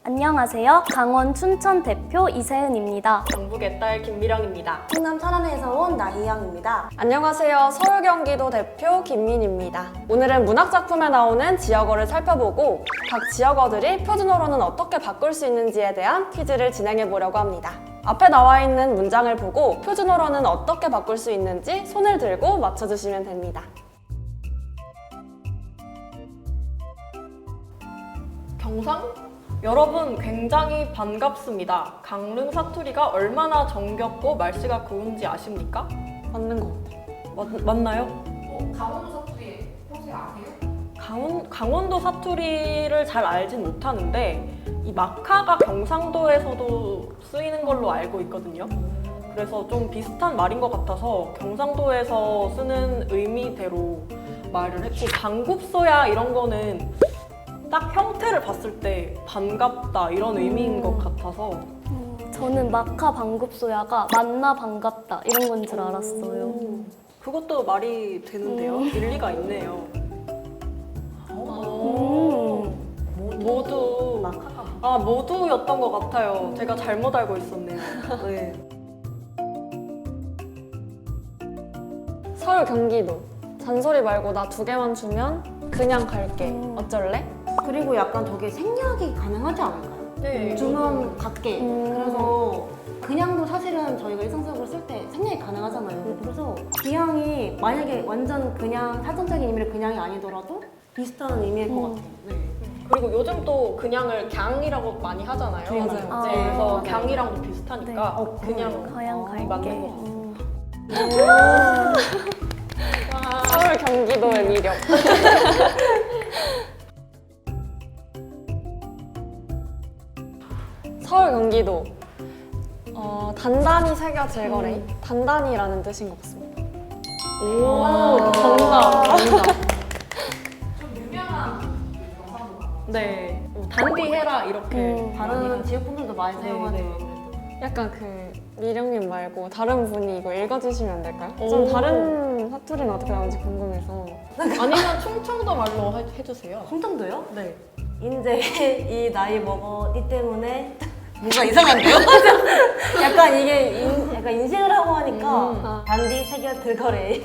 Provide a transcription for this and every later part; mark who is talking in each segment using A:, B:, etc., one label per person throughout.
A: 안녕하세요. 강원 춘천 대표 이세은입니다.
B: 경북의 딸 김미령입니다.
C: 충남 천안에서 온 나희영입니다.
D: 안녕하세요. 서울 경기도 대표 김민입니다. 오늘은 문학작품에 나오는 지역어를 살펴보고 각 지역어들이 표준어로는 어떻게 바꿀 수 있는지에 대한 퀴즈를 진행해 보려고 합니다. 앞에 나와 있는 문장을 보고 표준어로는 어떻게 바꿀 수 있는지 손을 들고 맞춰주시면 됩니다.
B: 경상? 여러분 굉장히 반갑습니다. 강릉 사투리가 얼마나 정겹고 말씨가 고운지 아십니까?
D: 맞는 것 같아요.
B: 맞나요?
E: 강원도 사투리 평소에 아세요?
B: 강원도 사투리를 잘 알진 못하는데 이 마카가 경상도에서도 쓰이는 걸로 알고 있거든요. 그래서 좀 비슷한 말인 것 같아서 경상도에서 쓰는 의미대로 말을 했고, 방굽소야 이런 거는 딱 형태를 봤을 때 반갑다 이런 의미인 것 같아서
A: 저는 마카 방급소야가 만나 반갑다 이런 건 줄 알았어요.
B: 그것도 말이 되는데요. 일리가 있네요. 모두 모두였던 것 같아요. 제가 잘못 알고 있었네요. 네.
D: 서울 경기도. 잔소리 말고 나 2개만 주면 그냥 갈게. 어쩔래?
C: 그리고 약간 저게 생략이 가능하지 않을까요?
B: 네.
C: 주문 받게. 그래서 그냥도 사실은 저희가 일상적으로 쓸 때 생략이 가능하잖아요. 그래서 기양이 만약에 완전 그냥 사전적인 의미를 그냥이 아니더라도 비슷한 의미일 것 같아요.
B: 네. 그리고 요즘 또 그냥을 갱이라고 많이 하잖아요.
D: 맞아요.
B: 네,
A: 아,
B: 그래서
C: 네.
B: 갱이랑도 비슷하니까
A: 네.
B: 그냥
A: 가양 갈게.
B: 맞는 것 같아요.
D: 서울 경기도의 미력. 서울 경기도. 단단히 새겨질 거래. 단단히라는 뜻인 것 같습니다.
B: 오, 정답.
E: 좀 유명한 경상도 가요.
B: 네. 단디해라 이렇게
C: 다른 지역분들도 많이
B: 네,
C: 사용하죠.
B: 네.
D: 약간 미령님 말고 다른 분이 이거 읽어주시면 안 될까요?
B: 오.
D: 좀 다른 사투리는 어떻게 나오는지 궁금해서.
B: 아니면 충청도 말로 해주세요.
C: 충청도요?
B: 네.
C: 이제 이 나이 먹어 이 때문에 뭔가 이상한데요? 약간 이게 약간 인식을 하고 하니까 단디 새겨 들거래.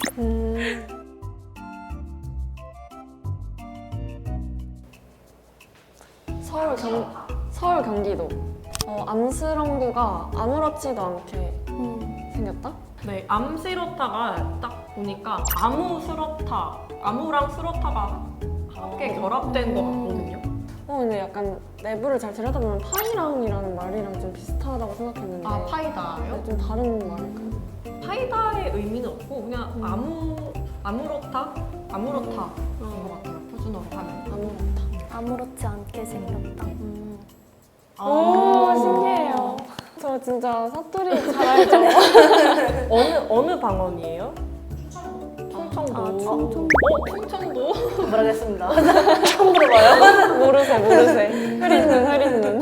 D: 서울 경기도. 암스러운구가 아무렇지도 않게 생겼다?
B: 네, 암시로타가 딱 보니까 아무랑 스로타가 함께 결합된 것 같거든요.
D: 근데 약간 내부를 잘 들여다보면 파이랑이라는 말이랑 좀 비슷하다고 생각했는데.
B: 아, 파이다요?
D: 좀 다른 말일까요?
B: 파이다의 의미는 없고 그냥 아무렇다인 것 같아요. 표준어로 하면.
D: 아무렇다.
A: 아무렇지 않게 생겼다.
D: 오, 신기해요. 저 진짜 사투리 잘 알죠?
B: 어느 방언이에요? 충청도.
A: 아, 충청도.
B: 충청도?
C: 모르겠습니다. 처음 들어봐요.
D: 모르세. 흐리는.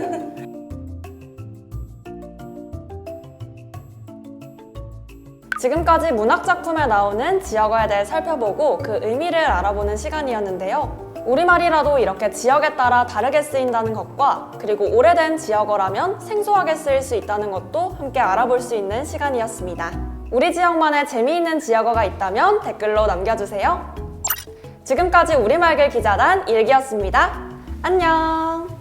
D: 지금까지 문학작품에 나오는 지역어에 대해 살펴보고 그 의미를 알아보는 시간이었는데요. 우리말이라도 이렇게 지역에 따라 다르게 쓰인다는 것과 그리고 오래된 지역어라면 생소하게 쓰일 수 있다는 것도 함께 알아볼 수 있는 시간이었습니다. 우리 지역만의 재미있는 지역어가 있다면 댓글로 남겨주세요. 지금까지 우리말길 기자단 일기였습니다. 안녕!